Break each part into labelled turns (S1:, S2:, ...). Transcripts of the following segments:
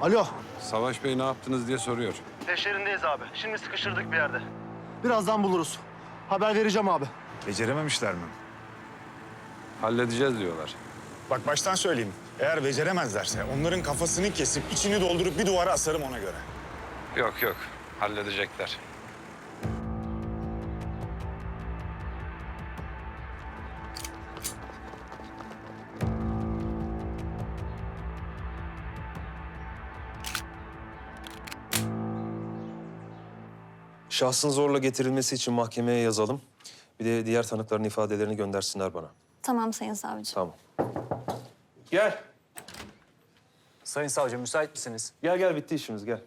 S1: Alo.
S2: Savaş Bey ne yaptınız diye soruyor.
S1: Peşlerindeyiz abi. Şimdi sıkıştırdık bir yerde. Birazdan buluruz. Haber vereceğim abi.
S3: Becerememişler mi?
S2: Halledeceğiz diyorlar.
S3: Bak baştan söyleyeyim. Eğer beceremezlerse onların kafasını kesip içini doldurup bir duvara asarım ona göre.
S2: Yok yok, halledecekler.
S4: Şahsın zorla getirilmesi için mahkemeye yazalım. Bir de diğer tanıkların ifadelerini göndersinler bana.
S5: Tamam Sayın Savcı.
S4: Tamam. Gel.
S6: Sayın savcı müsait misiniz?
S4: Gel bitti işimiz gel.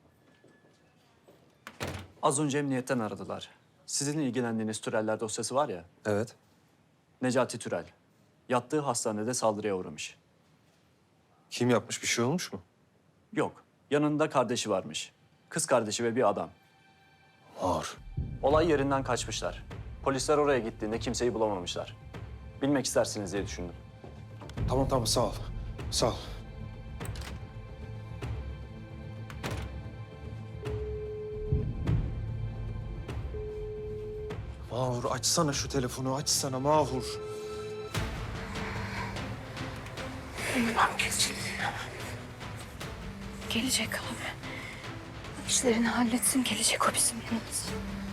S6: Az önce emniyetten aradılar. Sizin ilgilendiğiniz Türeller dosyası var ya,
S4: Evet.
S6: Necati Türel. Yattığı hastanede saldırıya uğramış.
S4: Kim yapmış, bir şey olmuş mu?
S6: Yok, yanında kardeşi varmış. Kız kardeşi ve bir adam.
S4: Ağır.
S6: Olay yerinden kaçmışlar. Polisler oraya gittiğinde kimseyi bulamamışlar. Bilmek istersiniz diye düşündüm.
S4: Tamam sağ ol. Sağ ol. Mahur açsana şu telefonu, açsana Mahur.
S5: Gelecek abi. İşlerini halletsin, gelecek o bizim yanımıza.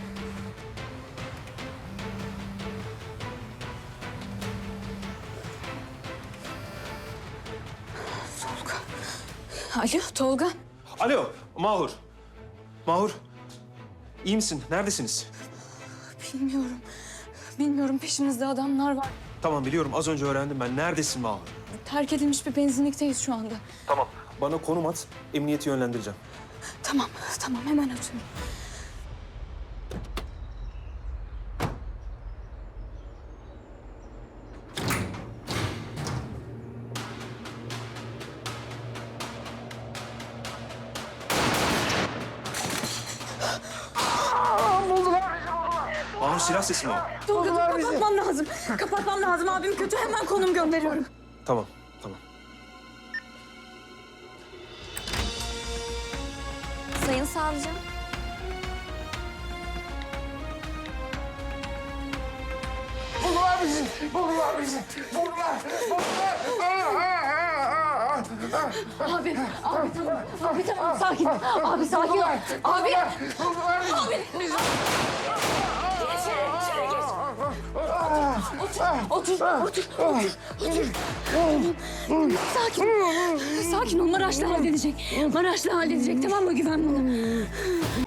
S5: Tolga. Alo Tolga.
S4: Alo Mahur. Mahur. İyi misin? Neredesiniz?
S5: Bilmiyorum peşimizde adamlar var.
S4: Tamam biliyorum, az önce öğrendim ben. Neredesin Mahur?
S5: Terk edilmiş bir benzinlikteyiz şu anda.
S4: Tamam. Bana konum at, emniyeti yönlendireceğim.
S5: Tamam hemen atıyorum.
S4: Mahur silah sesi mi o?
S5: Tolga kapatmam lazım. Kapatmam lazım. Abim kötü. Hemen konum gönderiyorum.
S4: Tamam.
S5: Sayın savcım. Abi tamam sakin. Abi sakin ol. Abi. İçeri geç. Otur. Sakin. Sakin ol. Maraşlı halledecek. Tamam mı? Güven bana.